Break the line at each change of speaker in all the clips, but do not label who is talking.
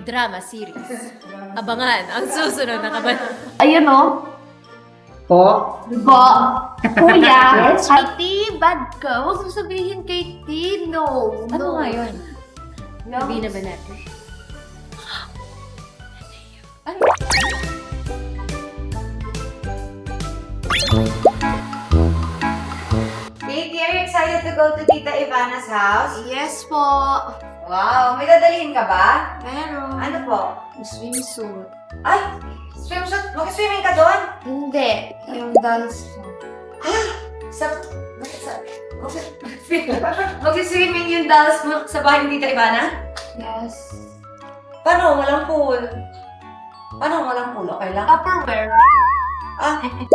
drama series. Abangan ang susunod na kabanata.
Ayun o.
Po?
Po. Kuya.
Yes.
Katie, bad ka. Huwag mo sabihin kay T. No.
Ano nga yun?
No.
Sabihin na ba natin?
Katie, are you excited to go to Tita Ivana's house?
Yes po.
Wow, may dadalhin ka ba?
Meron.
Ano po?
Swimsuit.
Ay, swimsuit. Mag-swimming ka doon?
Hindi. Yung dance ko.
Mag-swimming yung dolls mo sa bahay ni Tita Ivana?
Yes.
Paano? Walang pool. Paano walang pool? Okay lang?
Tupperware.
Ah,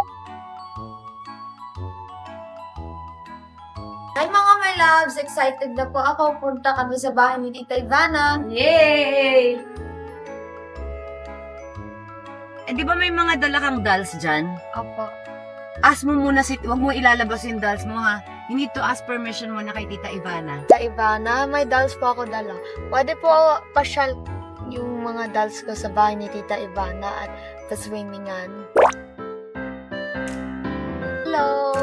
Hi mga my loves! Excited na po ako. Punta kami sa bahay ni Tita Ivana.
yay!
Eh, di ba may mga dala kang dolls dyan?
Opo.
Ask mo muna, wag mo ilalabas yung dolls mo ha. You need to ask permission muna kay Tita Ivana.
Tita Ivana, may dolls po ako dala. Pwede po pasyal yung mga dolls ko sa bahay ni Tita Ivana at pa-swimmingan. Hello!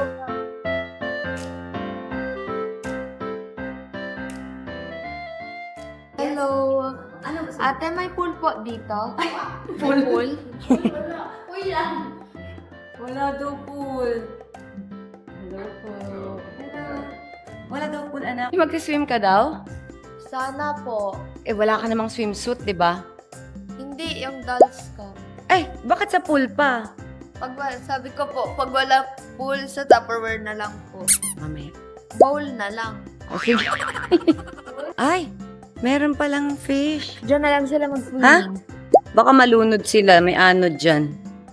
Hello!
Ano ba?
Ate, may pool po dito? May pool? Uy lang!
Wala daw pool. Hello po. Wala daw pool, anak.
Mag-swim ka daw?
Sana po.
Eh, wala ka namang swimsuit, di ba?
Hindi, yung dolls ko.
Eh, bakit sa pool pa?
Sabi ko po, pag wala pool sa Tupperware na lang po.
Mamaya.
Bowl na lang.
Okay. Ay, meron palang fish.
Diyan na lang sila mag-swimming.
Ha? Baka malunod sila, may anod dyan.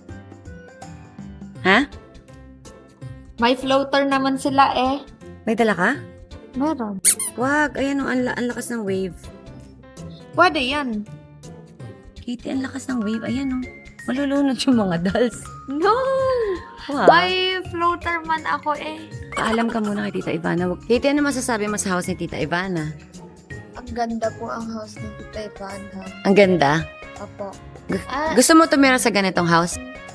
Ha?
May floater naman sila eh.
May dala ka?
Meron.
Wag, ayan o, ang lakas ng wave.
Pwede yan.
Kitty, ang lakas ng wave, ayan o. Malulunod yung mga dolls.
No!
Wow.
May floater man ako eh.
Paalam ka muna kay Tita Ivana. Kitty, ano masasabi mo sa house ni Tita Ivana?
Ang ganda po ang house ni Tita Ivana.
Ang ganda.
Apo.
Gu-
Ah,
Gusto mo tumira sa ganitong house?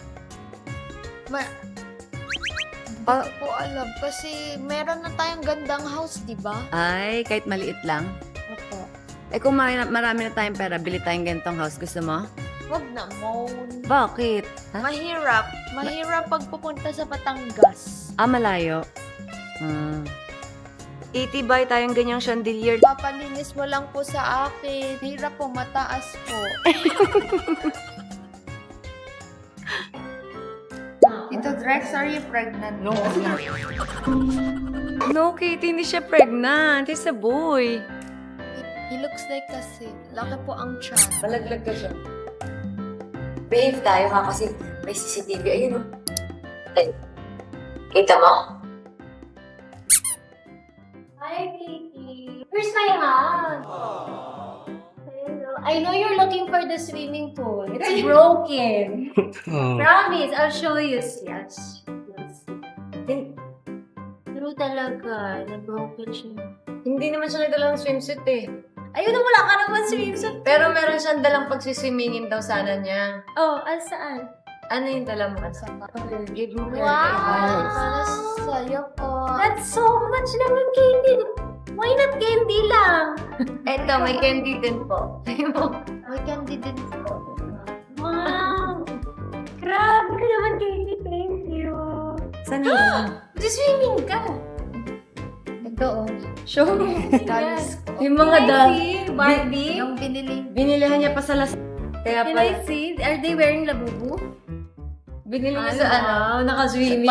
Hindi ko po alam. Kasi meron na tayong gandang house, di ba?
Ay, kahit maliit lang.
Apo.
Eh kung marami na tayong pera, bili tayong ganitong house. Gusto mo?
Wag na, Mon.
Bakit? Ha?
Mahirap. Mahirap pag pupunta sa Batangas.
Ah, malayo. Itibay tayong ganyang chandelier.
Papalinis mo lang po sa akin. Hirap po, mataas po. Tito Drex, are you pregnant?
No. No, Kitty, hindi siya pregnant. He's a boy.
He looks like kasi. Laki po ang tiyan.
Malaglag ka siya. Behave tayo ha kasi may CCTV. Ayun o. Ay. Kita mo?
Hi, Katie. Where's my hand? Hello. I know you're looking for the swimming pool. It's broken. Promise, I'll show you. Yes. True talaga. Na-broken siya.
Hindi naman siya nagdalang swimsuit eh.
Ayun na, wala ka naman swimsuit.
Pero meron siyang dalang pagsiswimmingin daw sana niya.
Oh, saan?
Ano yung dala mo? Give mo kaya
Wow.
kay Ivana.
Para sa'yo po.
That's so much naman candy. Why not candy lang?
Eto, may candy din po.
May candy din po.
Wow. Grabe ka naman, Katie. Thank you.
Saan yun?
Swimming ka.
Ito oh.
Show me.
Dolls ko.
Yung mga dolls.
See, Barbie.
Yung binili.
Binilihan niya pa sa las... Kaya
Can
pala.
I see? Are they wearing labubu?
Binili niya sa ano, naka-swimming.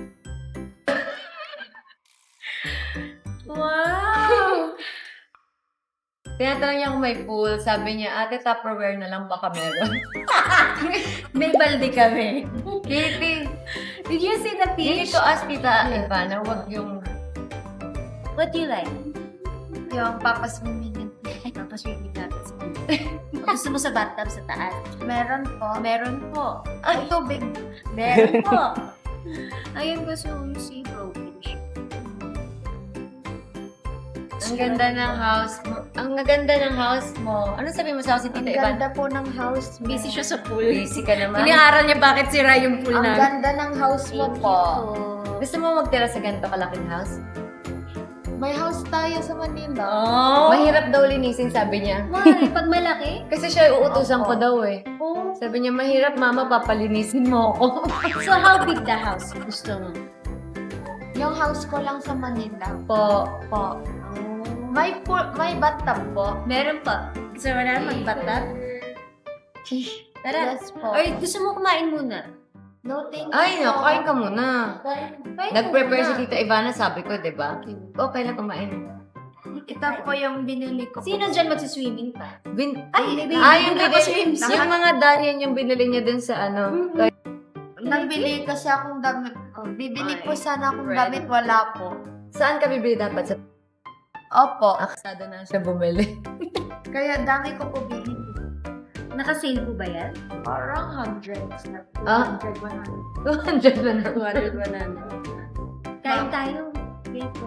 Wow!
Tinatanong niya kung may pool. Sabi niya, ate, Tupperware na lang baka meron.
May balde kami.
Kitty,
Did you see the
you need
fish?
to ask Tita Ivana, wag yung...
What do you like?
Yung papaswimmingin.
Tapos yung natin sa gusto mo sa bathtub sa taas?
Meron po.
Meron po.
Ay, tubig.
Meron po. Ayun gusto mo si broken siya.
Ang ganda ng house mo. Ang ganda ng house mo. Ano sabi mo sa house ni
Ang
Tita Ivan?
ganda po ng house mo.
Busy siya sa pool.
Busy ka naman.
Iniaral niya bakit sira yung pool
Ang
namin.
ganda ng house mo po.
Gusto mo magtira sa ganito kalaking house?
May house tayo sa Manila.
Oh!
Mahirap daw linisin, sabi niya.
Why? Pag malaki?
Kasi siya uutusan ko daw eh.
Oh.
Sabi niya, mahirap mama, papalinisin mo ako.
So how big the house gusto mo?
Yung house ko lang sa Manila.
Po.
Po. May bathtub po.
Meron pa. Gusto mo na magbatat? Tara.
Yes po.
Or gusto mo kumain muna?
No, thank you.
Ay, no, kain ka muna.
Kain
Nag-prepare si
muna.
Tita Ivana, sabi ko, di ba? Okay na kumain.
Ito po yung binili ko.
Sino dyan magsiswimming pa?
Ay,
baby,
yung
hindi
binili,
ako swimsuit.
yung mga dahil yung binili niya dun sa ano.
Nagbili kasi akong damit ko. Bibili po sana akong
Red.
damit, wala po.
Saan ka bibili dapat? Sa
Opo.
aksada na siya bumili.
Kaya dami ko po binili.
Naka-sale po ba yan?
Parang hundreds na po.
Ah.
100, 100.
200 na.
200, 100. Kain tayo. Okay po.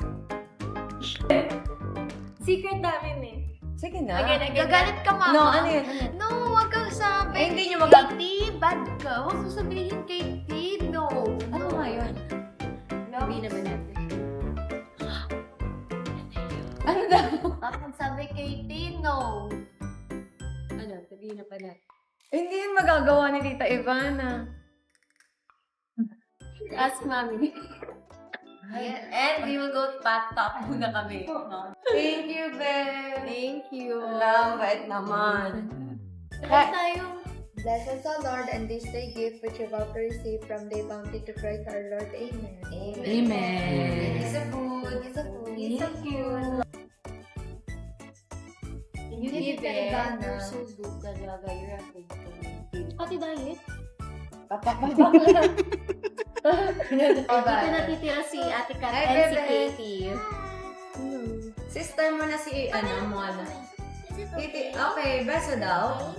Secret namin eh.
Sige na.
Gagalit ka, mama.
No, ano yun?
No, wag kang sabi.
Eh, hindi niyo mag-
Katie, bad ka. Huwag mo sabihin, Katie. No.
Ano nga yun?
Sabi naman natin.
Ano daw?
Kapag sabi, Katie, no.
Ano? Sabihin na pa natin.
Hindi yun magagawa ni Tita Ivana.
Ask mommy.
And we will go top muna kami. Thank you, babe.
Thank you.
Alam, bait naman.
Kain tayo.
Bless us, O Lord, and this day gift which you're about to receive from the bounty to Christ our Lord. Amen.
Amen.
It's a food. It's a food. It's a
Thank you.
You
Give
did it, Ivana.
You're so good talaga. You're a good girl. Pati diet? Dito natitira si Ate Kat
Hi,
and si
bebe.
Katie.
Sister mo na si, mo na. Titi, okay, beso daw.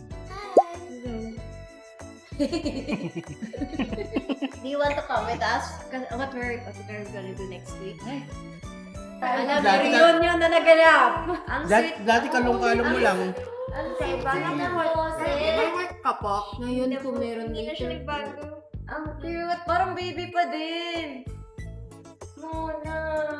Do you want to come with us? What we're gonna do next week? Alam,
Dati ka-
reunion na naganap.
Ang
Dati,
sweet.
dati kalong-kalong mo lang.
Ang Ivana na may work ka po.
Ngayon po meron
Hindi na siya
later.
nagbago. Ang cute. Parang baby pa din. Mona.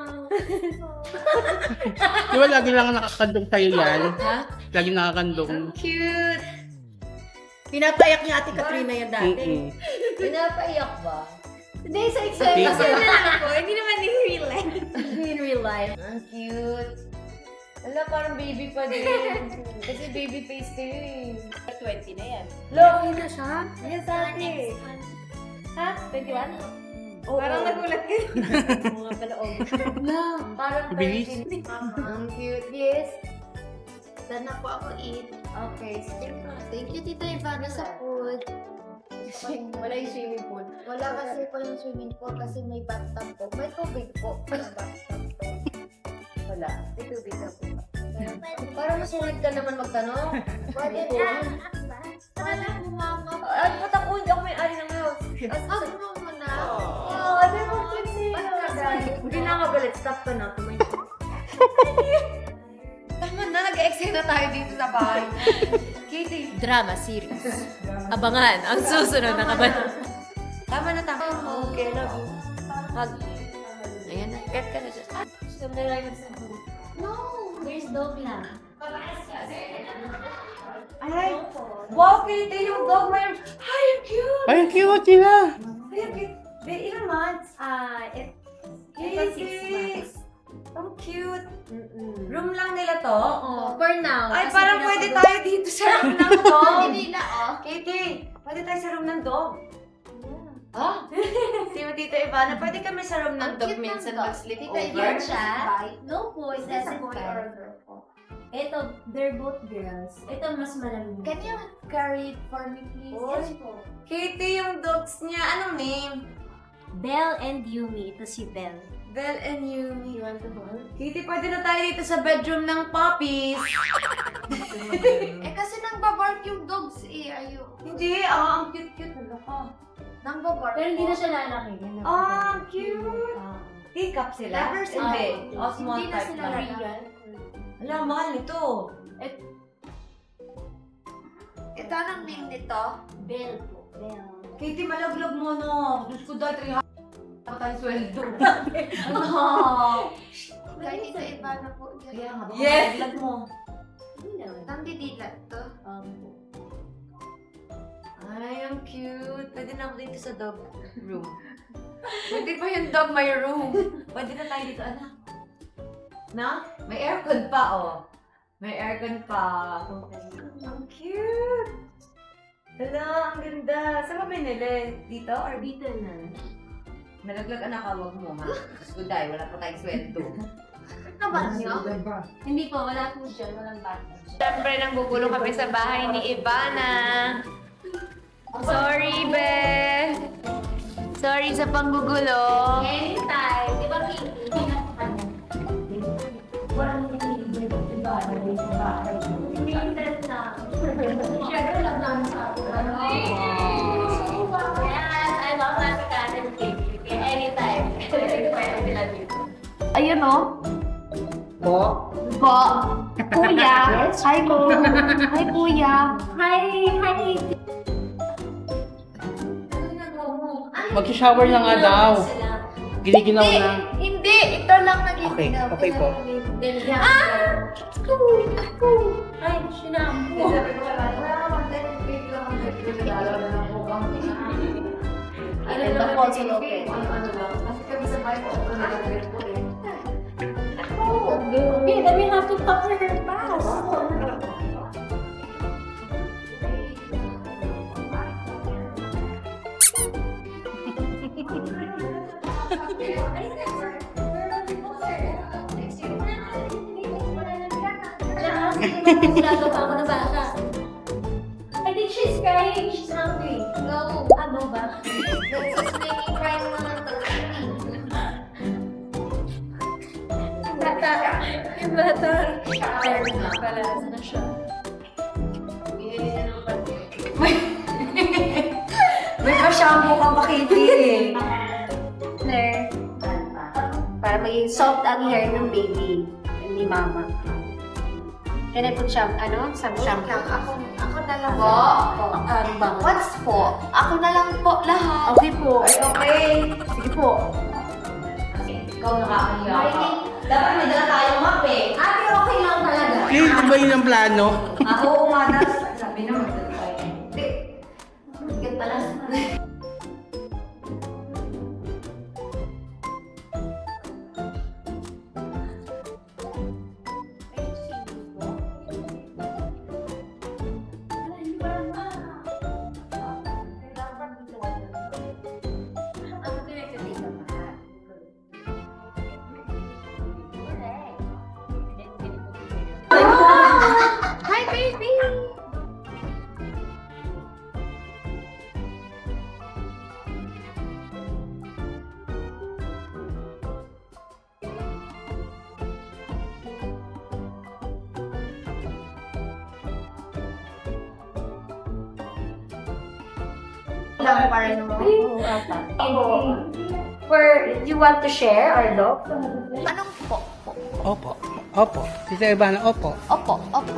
Di ba lagi lang nakakandong sa'yo yan?
Ha?
Lagi nakakandong.
Ang cute.
Pinapayak niya Ate Katrina yan dati.
Mm-mm.
Pinapaiyak ba?
Hindi, sa exam.
Hindi.
Kasi na lang ako. Hindi naman in real life. In real life.
Ang cute. Wala, parang baby pa din. Kasi baby face kayo eh.
20 na yan.
Laki na siya?
Yes, ate. Ha? 21? Oo.
Parang nagulat ka.
Oo nga pala, oh.
No, parang
Bilis.
13.
Ang cute. Yes. Sana po ako eat.
Okay, sige.
Thank you, Tita Ivana, sa food.
Wala yung swimming pool.
Wala kasi po yung swimming pool kasi may bathtub po. May tubig po. May bathtub po.
Wala. May tubig na po. Parang masulit ka naman magtanong.
Pwede po. Pwede po, mama.
At ba't ako hindi ako may-ari ng house?
Hug mo muna.
Oh, ano mo kasi? Hindi na magalit. Stop ka na. Tumayo. Tama na, nag-excite na tayo dito sa bahay. Katie.
Drama series. Abangan ang susunod na kaban.
Tama na, tama. Okay, love you. Hug. Ayan na. Get ka na dyan.
Gusto na lang sa
No.
There's dog lang.
Ay! Wow, Katie, yung dog may... Ay, ang cute!
Ay, ang cute sila.
Ay, ang cute. May ilang months?
Ito 6
Katie!
months.
Ang cute. Room lang nila to?
Oo. For now.
Ay,
kasi
parang
pinapagawa-
pwede tayo dito sa room ng dog.
Hindi nila, oh.
Katie, pwede tayo sa room ng dog. Ah? Si Tita Ivana, pwede kami sa room ng
Ang
dog
cute ng
minsan
dog.
mag-sleep
Tita
over.
Ivana.
siya?
Bye.
No po, it
Is this a
doesn't
boy or a
count.
girl po?
Ito, they're both girls. Ito mas malamig.
Can you carry it for me, please?
Yes
po.
Katie, yung dogs niya, anong name?
Belle and Yumi. Ito si Belle.
Belle and Yumi.
You want to hold?
Katie, pwede na tayo dito sa bedroom ng puppies.
Eh, kasi nang-babark yung dogs eh. Ayun.
Hindi, ang cute-cute. Ano ka?
Nang-babark
Pero hindi
po.
na siya lalaki.
Ah, cute. Teacup sila?
Lovers
Hindi.
up.
O, small
Hindi na
type
sila
lang.
real.
Alam, mahal nito.
Ito anong name nito?
Bell po. Bell.
Katie, malaglag mo, no? Diyos ko dahil 300 ako tayo sweldo.
Kahit ito iba na po.
Kaya nga, baka
Yes!
malaglag mo.
Nandidilat to.
Ay, ang cute. Pwede na ako dito sa dog room. Pwede pa yung dog my room. Pwede na tayo dito, anak. Na? May aircon pa, oh. May aircon pa. Ang cute. Hala, ang ganda. Saan ba binili? Dito or dito na? Nalaglag anak, wag mo, ha? Guday, wala pa tayong sweldo.
Naman nyo?
Hindi po, wala po dyan. Walang bata.
Siyempre, nanggugulo kami sa bahay ni Ivana. Sorry, be. Sorry sa panggugulo.
Anytime. Di ba, Pinky? Hindi na po kanya. Walang nililibre ko sa bahay. Minsan na. Siyempre lang namin sa akin. Yes, I love that cat and Pinky. Kaya anytime. Pwede sila dito.
Ayun o.
Po?
Po. Kuya. Hi po. Hi kuya.
Hi! Hi!
Mag-shower na nga daw. Giniginaw na.
Hindi. Ito lang
Okay,
nagiginaw.
okay po.
Ay, sinampo.
Ano
The falls will open.
Kasi kami sa bahay ko, ako nalaglag ko eh.
Okay, then we have to cover her fast. I think she's crying. She's hungry.
No.
Ano ba?
This is making cry naman ng
Bata. Yung bata. Palas na siya.
May pa-shampoo ka pa, Katie eh.
Claire. Para maging soft ang hair ng baby. Ni mama. Can I put some shampoo?
Ako na lang po.
Ano ba?
What's po? Ako na lang po lahat.
Okay po.
Ay, okay.
Sige po.
Ikaw nakakahiya ka. Dapat may dala tayong map eh.
Ate, okay lang talaga.
Kate, di ba yun ang plano?
Oo nga, sabi na magdala tayo. Hindi.
Bigat pala.
Hi baby.
Lang para naman. You want to share our dog?
Anong po?
Opo. Opo. Tita Ivana, opo.
Opo. Opo.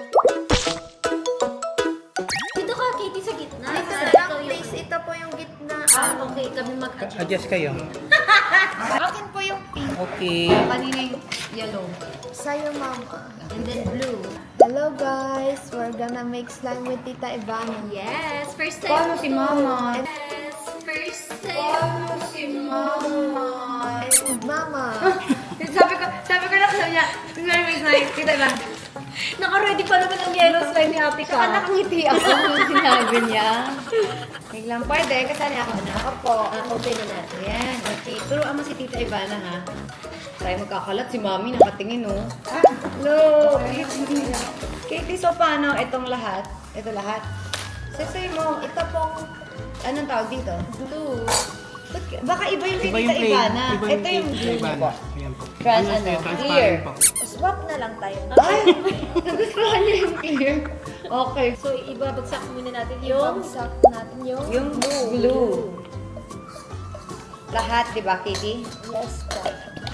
Dito ka, Katie, sa gitna.
Ito na lang please. Ito po yung gitna.
Okay, kami mag-adjust.
Adjust kayo.
Akin po yung pink.
Okay.
Kanina yung yellow.
Sa'yo mama.
And then blue.
Hello guys. We're gonna make slime with Tita Ivana.
Yes, first time.
Paano si Mama?
Yes, first time.
Si Mama. Mama.
Sabi ko lang sa niya, tingnan may slime. Kita ba?
Naka-ready pa naman ang yellow slime ni ate ka.
Nakangiti ako nung sinabi niya. Biglang pwede, kasali ako na. Opo.
Open na natin.
Ayan, okay. Turuan mo si Tita Ivana, ha? Tayo magkakalat. Si Mami nakatingin, oh. Hello! Katie, so paano itong lahat? Ito lahat? Sasay mo, ito pong, anong tawag dito? Blue. Baka iba yung kay
Iba
Tita
yung plain.
Ivana.
Iba
Ito
yung
yung
Tita
blue niya
Ivana.
po.
Ayan po.
Trans,
Ano,
clear.
transparent po.
Swap na lang tayo.
Ay! Nagustuhan niya yung clear. Okay.
So, ibabagsak muna natin yung
Bagsak natin yung
Yung blue.
Lahat, di ba, Kitty?
Yes po.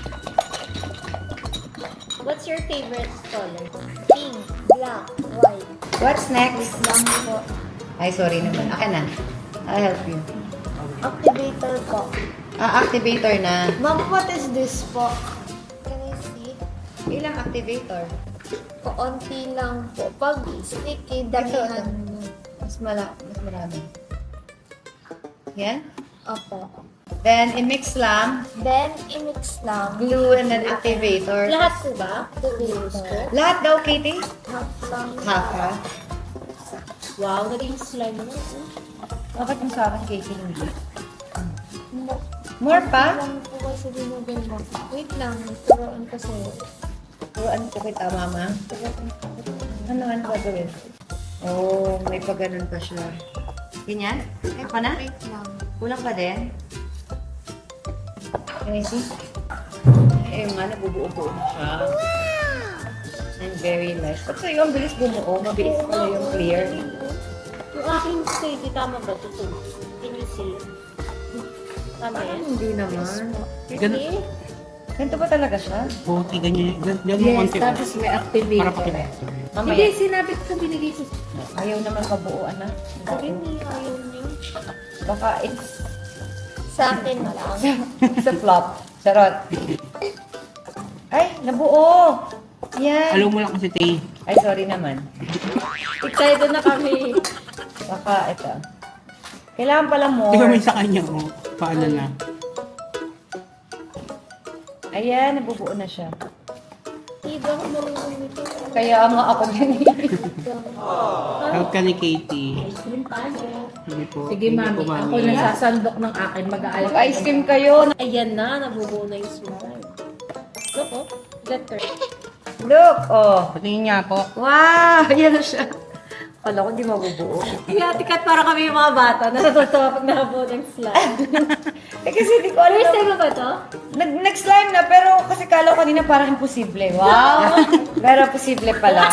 What's your favorite color? Pink, black, white.
What's next?
Lang po.
Ay, sorry naman. Akin na. I'll help you.
Activator po.
Activator na.
Ma'am, what is this po? Can I see?
Ilang activator?
Kaunti lang po. Pag sticky, damihan mo.
Mas marami. Yan?
Opo.
Then, i-mix lang.
Then, i-mix lang.
Glue and then activator.
Lahat po ba?
Activator.
Lahat daw, Kitty?
Half lang.
Half, ha?
Wow, naging slime na.
Bakit yung sa akin, Kitty, hindi? More pa?
Lang po kasi dinugay mo. Wait lang. Turuan ko sa'yo.
Turuan ko kita, Mama. Ano gagawin? Oh, may pa ganun pa siya. Ganyan? Kaya pa na?
Wait lang.
Kulang pa din? Can I see? Eh, nga, nabubuo-buo na siya. I'm very nice. Ba't sa'yo ang bilis bumuo? Mabilis pala yung clear.
Yung aking state, tama ba ito? Can you see? Tama yan?
Hindi naman.
Ganun.
Ganito ba talaga siya?
Buti, ganyan. Ganyan mo konti.
may activate.
Para pakita.
Mamaya.
sinabi ko sa binigay ko.
Ayaw naman mabuuan na.
Sabi ni ayaw niyo.
Baka it's
Sa akin lang.
a flop. Charot. Ay, nabuo! Yan.
Alam mo lang kasi, Tay.
Ay, sorry naman.
Excited na kami.
Baka ito. Kailangan pala more.
Tingnan mo yung sa kanya, oh. Paano na?
Ayan, nabubuo na siya.
Hindi ako marunong nito.
Kaya nga ako din.
Help ka ni Katie.
Yung paano?
Sige po.
Sige, mami. Ako nasasandok ng akin. Mag-aalala.
Mag-ice cream kayo.
Ayan na, nabubuo na yung slime. Look, oh. Letter.
Look, oh.
Patingin niya po.
Wow, ayan na siya. Kala ko di mabubuo.
Tikat para kami yung mga bata na natutuwa pag nakabuo ng slime.
Eh kasi di ko alam.
First time mo ba to?
Nag-slime na, pero kasi kala ko kanina parang imposible. Wow! Pero posible pala.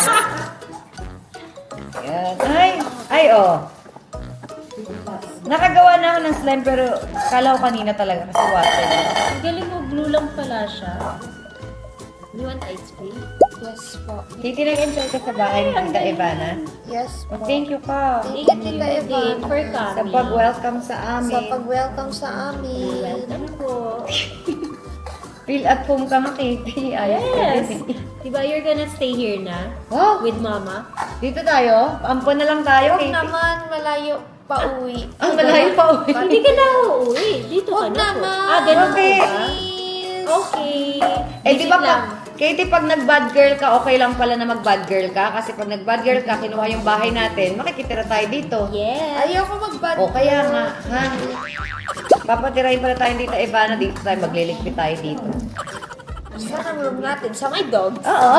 Ayan. Ay, oh. Nakagawa na ako ng slime, pero kala ko kanina talaga kasi water.
Ang galing mo, blue lang pala siya. You want ice cream?
Yes po.
Titi, nag-enjoy ka sa bahay ni Tita Ivana.
Yes po.
Thank you ka.
Thank you, Tita
Din for
Ivana.
Sa
coming.
pag-welcome sa
Sa
amin.
pag-welcome sa amin.
Welcome po.
Feel at home ka nga, Katie. Ayos ka
Yes.
din.
Diba you're gonna stay here na?
Wow!
With mama?
Dito tayo? Ampon na lang tayo,
Huwag
Katie.
naman, malayo pa uwi.
Ang malayo pa uwi.
Hindi ka na uuwi. Dito ka
Huwag
na po.
naman.
Ah, ganun
Okay.
po ba?
Please.
Okay.
Eh, di ba
Visit lang.
Katie, pag nag-bad girl ka, okay lang pala na mag-bad girl ka. Kasi pag nag-bad girl ka, kinuha yung bahay natin, makikitira tayo dito.
Yes.
Ayoko mag-bad.
O kaya nga, ha? Papatirahin pala tayo dito, Ivana. Dito tayo, magliligpit tayo dito.
Saan ang room natin? Sa my dogs.
Oo.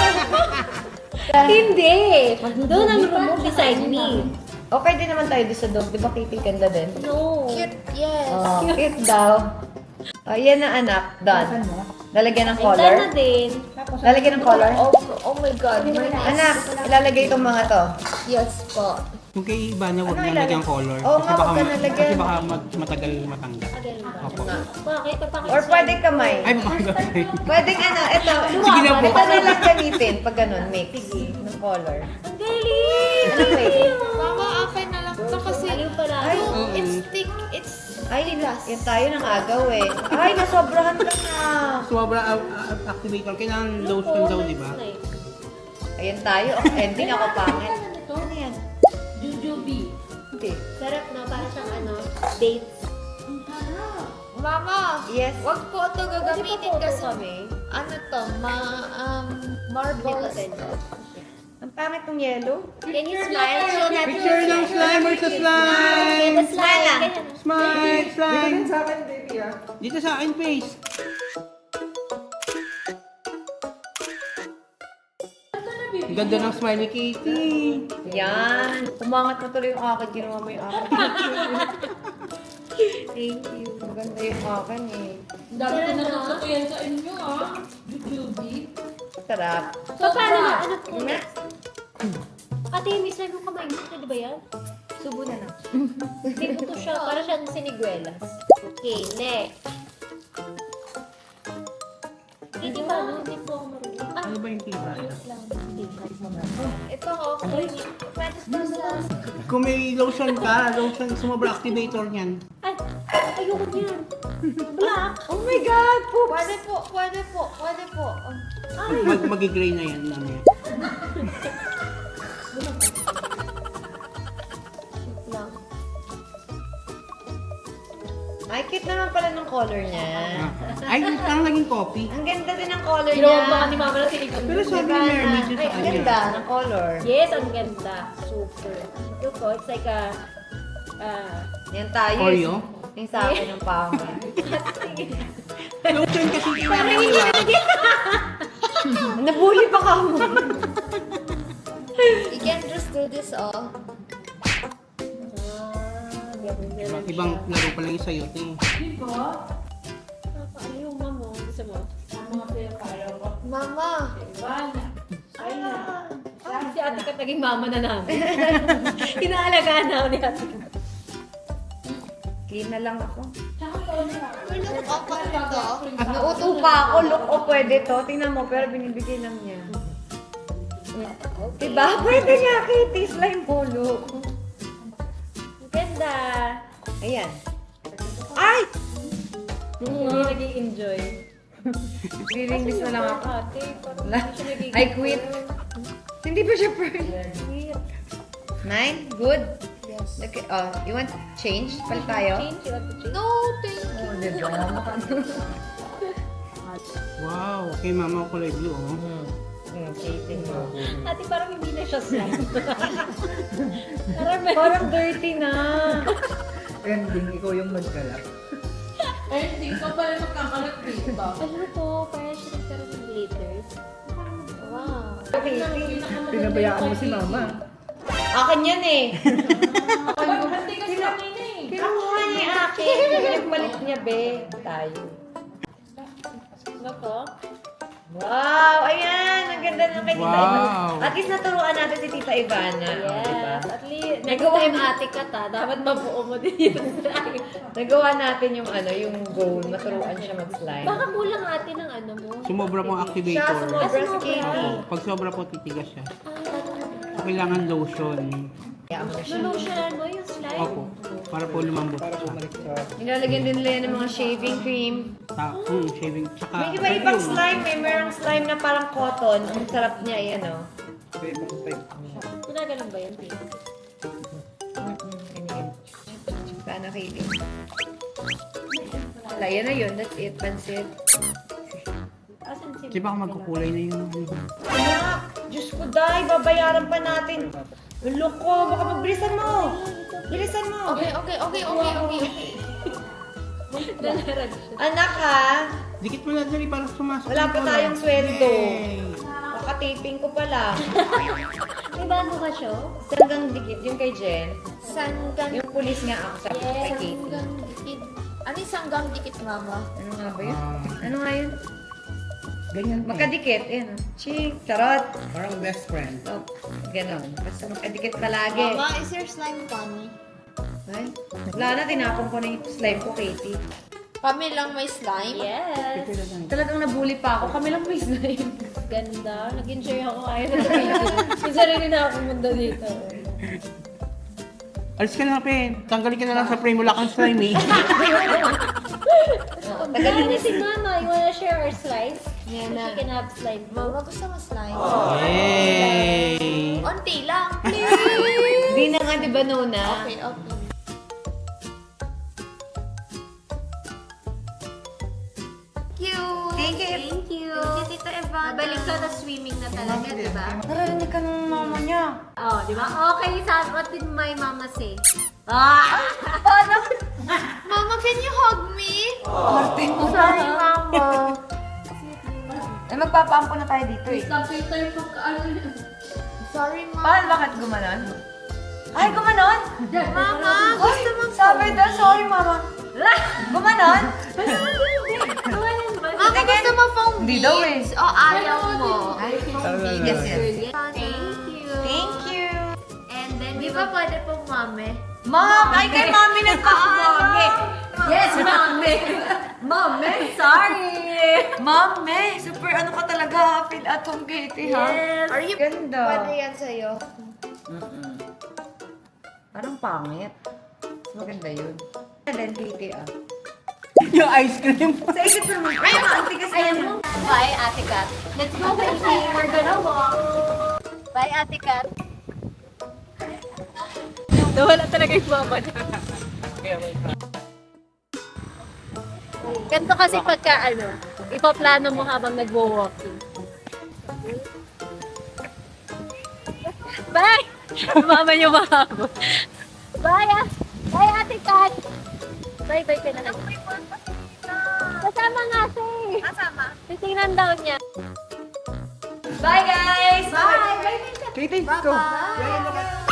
Hindi. Doon ang room mo beside me.
Okay din naman tayo doon sa dog. Di ba, Katie, ganda din?
No.
Cute, yes.
Oh, cute daw. Oh, yan na, anak. Done. Lalagyan ng
Ay, done
color.
na din.
Lalagyan ng color.
Oh my God.
Anak, ilalagay itong mga to.
Yes po.
Kung kay Ivana, huwag
Ano
na lagyan color.
Oo nga, huwag ka na lagyan.
Kasi baka matagal matanggal.
Again ba?
Opo.
Bakit? Papakit
Or pwede kamay.
Ay, baka
Pwedeng ano, ito.
Sige na po.
Ito na lang gamitin pag ganun, mix ng color.
Ang galing!
Ano pwede?
Mama, akin na lang to kasi
Aliw pala.
Ay,
it's thick. It's
ay, yan tayo ng agaw eh. Ay, nasobrahan ka na.
Sobra activator. Kailangan lotion daw, di ba?
Ayan tayo. Ending ako pangit. Ano yan?
Jujube.
Hindi.
Sarap na. Para siyang dates.
Mama,
Yes.
wag po ito gagamitin
Pwede pa
kasi
photo kami.
ano to, marbles.
Ang pangit ng yellow.
Can you smile? Show natin.
Picture ng slime versus slime!
Ganyan, smile lang.
Smile! Slime! Dito sa akin, face. Ang ganda ng smile ni Katie.
Yan. Umangat na tuloy yung akin. Ginawa mo yung akin. Thank you. Maganda yung akin eh.
Dami ko na natutuyan sa inyo,
Sarap.
So, paano na? Ano po?
Nga.
Ate, may slime mo kamay mo. Pwede ba yan?
Subo na lang.
Hindi po to siya. Para siyang siniguelas. Okay, next. Hindi ba? Hindi po ako marunong. Ah,
Ano ba yung tiba?
ito ako. Pwede po sa...
Kung may lotion ka, lotion, sumobra activator niyan.
Ay, ayoko niyan. Black.
Oh my God! Poops!
Pwede po.
Mag-gray na yan mamaya.
Lang.
Ay, cute naman pala ng color niya.
Ay, parang naging coffee.
Ang ganda din ng color
Ginawa
niya.
ba ni Mama na silikon?
Pero sabi ni Mermaid yun
Ay,
sa
ang
kanya.
ganda ng color.
Yes, ang ganda. Super. Ito po, it's like a...
Yan tayo.
Oreo?
Yung sa akin ng pama.
Lotion kasi kinaraniwa.
Nabully pa ka mo.
You can just do this all.
Ibang laro pa lang yung sayo, te.
Ano yung mama? Gusto mo?
Mama!
Si ate ka naging mama na namin. Inaalagaan na ako ni ate.
Clean na lang ako.
Look up pa ito.
Nauto pa ako. Look, pwede to. Tingnan mo, pero binibigay lang niya. Diba? Pwede nga, Kitty. Slime po, look.
Ang ganda.
Ayan. Ay!
Hindi nag-i-enjoy.
Release na lang ako.
Ate, parang hindi siya nag-i-enjoy.
I quit. Hindi pa siya pearl.
Quit.
9? Good?
Yes.
Okay, you want change? Palit tayo?
Change, you want to change?
No, thank you.
Oh, diba?
Wow, kay mama ko kulay blue, oh.
Okay, tingnan mo.
Ate, parang hindi na siya slime.
Parang dirty na.
Ending, ikaw yung magkalap.
Ano to? Parang siya nagkaroon ng glitters. Wow.
Okay,
Pinabayaan mo si mama.
akin yan eh. Kinuha niya yung akin. Pinagpalit niya, be. Tayo.
Ano to?
Wow! Ayan! Ang ganda ng kay Tita
Wow.
Ivana. At least naturuan natin si Tita Ivana. Diba?
Yes. At least, next time ate ka ta, dapat mabuo mo din yung slime.
Nagawa natin yung yung goal. Maturuan siya mag-slime.
Baka kulang ate ng ano mo.
Sumobra pong
Siya,
activator.
sumobra si Katie.
Pag sobra po, titigas siya. Kailangan lotion.
Kaya mo siya.
Lulutionan mo yung slime.
Opo, para po lumambot siya.
Nilalagyan din nila yan ng mga shaving cream.
Shaving. Tsaka,
May iba-ibang slime. May merong slime na parang cotton. Ang sarap niya,
Ginaganon ba yun, Pete?
Sana Katie. Wala, yan na yun. That's it. Pansit.
Asan si
Di ba ako magkukulay na yung
Anak! Diyos ko, Day! Babayaran pa natin. Loko! Baka magbilisan mo! Bilisan mo!
Okay.
Nalarag siya.
Anak ha!
Dikit mo na dali para sumasok.
Wala pa tayong sweldo.
Yay!
Kakataping ko pa lang.
May bago ka siya?
Sanggang dikit yung kay Jen.
Sanggang
Yung pulis nga ako sa kay Katie.
dikit. Ano yung sanggang dikit, mama?
Ano nga ba yun? Ano nga yun?
Ganyan pa.
Magkadikit. Ayan. Chik. Charot.
Parang best friend.
Oh, ganon. Basta magkadikit palagi.
Mama, is your slime funny?
Ay, wala na. Tinapon ko na yung slime ko, Katie.
Kami lang may slime?
Yes.
Talagang nabully pa ako. Kami lang may slime.
Ganda. Nag-enjoy ako ayaw na video. Yung sarili na ako pumunta dito.
Alis ka na, Pen. Tanggalin ka na lang sa frame. Wala kang slime, eh.
Tagalin niya si Mama. You wanna share our slice?
Yan
So
na.
she can have slime.
Mama, gusto mo slime?
Yay!
Unti lang, please!
Di na nga, di ba, Nona?
Okay.
Thank you.
Thank you.
Thank you, Tita Ivana.
Balik ka na swimming na talaga, di ba?
Narinig ka ng mama niya.
Oh, di ba? Okay, what did my mama say?
Mama, can you hug me?
Sorry, mama. Eh, magpapaampo na tayo dito eh.
Sorry, Mama.
Paano bakit gumanon? Ay, gumanon?
Mama, gusto mo
Sabi daw, sorry, mama. Gumanon?
Mama, gusto mo foam
Hindi daw eh.
beads? O ayaw mo?
Ay, yes, yes.
Thank you.
Thank you.
And then we
Di ba pwede pong mami?
Mom! Ay, kay Mami nagpapamami! Yes, Mami! Mami! Sorry! Mami! Super ano ka talaga, feel at home, Katie, ha?
Yes.
Are you? Ganda.
Pwede yan sa'yo.
Parang pangit. Maganda yun. And then, Katie, ah.
Yung ice cream.
Sa isip naman, ay, ang tigas na
Ayan mo. Bye, Ate Kat. Let's go, baby. We're gonna walk.
Bye, Ate Kat.
Nawala talaga yung mama niya.
Ganito kasi pagka, ipaplano mo habang nagwo-walking. Bye!
Mama niyo mahabol.
Bye, bye, Ate Kat. Bye-bye ka na. Kasama nga siya eh. Kasama? Titingnan daw niya.
Bye, guys! Bye!
Katie, go.